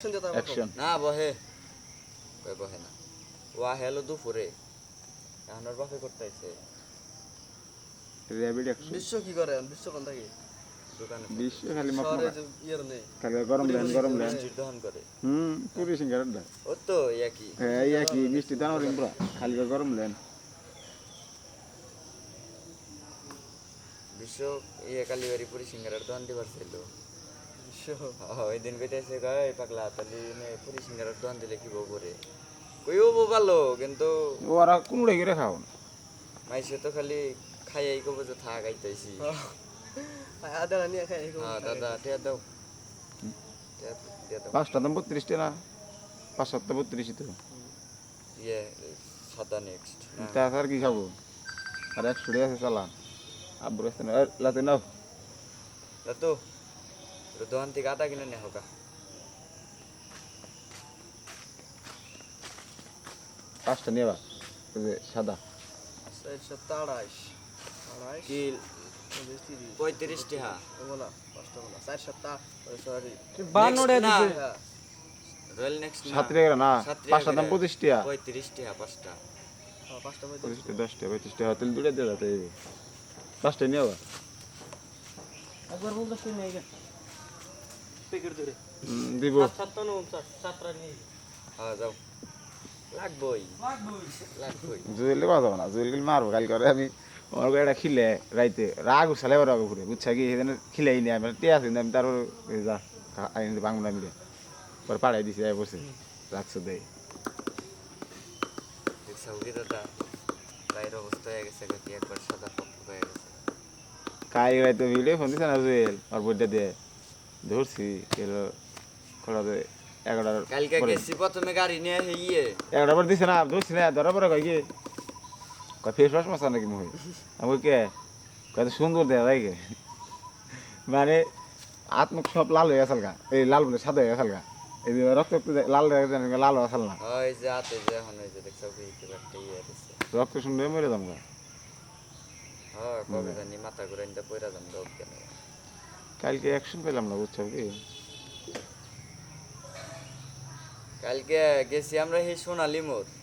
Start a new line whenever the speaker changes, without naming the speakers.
action
না বহে কই বহে না ওয়া হেলো দুপুরে আমার বাপে করতে আইছে
র্যাপিড অ্যাকশন
বিশ্ব কি করে বিশ্ব কোন থাকে
দোকানে
বিশ্ব খালি
শহরে
মকমকা
যে ইয়ের নেই
খালি গরম লেন
মিষ্টির দোকান করে
পুরি সিঙ্গারাটা
ও তো একই
হ্যাঁ ইয়া কি মিষ্টি দানো রিম্বরা খালি গরম লেন
বিশ্ব ইয়ে কালীবাড়ি পুরি সিঙ্গারার দোকান দিবার ছিল
বিশ্ব
ওই দিন কইতেছে গায় পাগলা তাহলে পুরি সিঙ্গারার দোকান দিলে কি বউ করে কইও বউ ভালো কিন্তু
ওরা কোনটা করে খাও
মাইসে তো খালি খাইয়াই কব যে থাক আইতাইছি
আদা নিয়ে খাই
হ্যাঁ দাদা টিয়া দাও টিয়া দাও
পাঁচটা দাম 32 টাকা 5 7 32 তো
ইয়ে সাদা নেক্সট
তা আর কি খাবো আর 100 টাকা আছে চালান আব্বুর কাছে না লাতে নাও
তো দোকান থেকে আদা কিনে নে হোকা
পাঁচটা নিবা ওই যে সাদা
428
কি 35 টাকা
বলা পাঁচটা বলা 4 সরি
বানোড়ে দিছে রয়্যাল নেক্সট না
7 টাকা না পাঁচটা দাম 25 টাকা
35 টাকা পাঁচটা
পাঁচটা
25 টাকা 10 টাকা 25 টাকা তেল দুটো দিয়ে দাও তাই পাঁচটা নিবা
একবার বলতে শুনে এই প্যাকেট ধরে
দিব
7 নিয়ে
হ্যাঁ যাও লাগবই
জুয়েল বাজাবো না জুয়েল মারবো কাল করে আমি আমার এটা খিলে রাইতে রাগ উছালে রাগ ঘুরে বুঝছা কি সেদিন খিলাই নি আমি টিয়া আছে আমি তারপর যা আইনি বাংলা মিলে পরে পাড়াই দিছি বসে রাখছো দেয়
সৌদি দাদা গায়ের অবস্থা হয়ে গেছে কি একবার সাদা পক্ষ হয়ে গেছে
কাই রাইতে ভিডিও ফোন দিছে না জুয়েল আর বইটা দিয়ে ধরছি এলো খোলাতে 11টার
কালকে গেছি প্রথমে গাড়ি নিয়ে ইয়ে
11টার পর দিছে না ধরছি না ধরার পরে কয় কি কয় ফেস ওয়াশ মাসা নাকি মুই আমি কে কত সুন্দর দেয়া যায় কে মানে আত্মক সব লাল হয়ে গেছে গা এই লাল বলে সাদা হয়ে গেছে গা এই যে রক্ত লাল হয়ে গেছে লাল হয়ে গেছে না
ওই যে হাতে যে এখন ওই যে দেখছো কি একটা ইয়ে দিছে
রক্ত শুনলে মরে যাম গা
হ্যাঁ কবে জানি মাথা ঘুরে নিতে পয়রা যাম রোগ কেন
কালকে অ্যাকশন পেলাম না বুঝছো কি
কালকে গেছি আমরা সেই সোনালি মোড়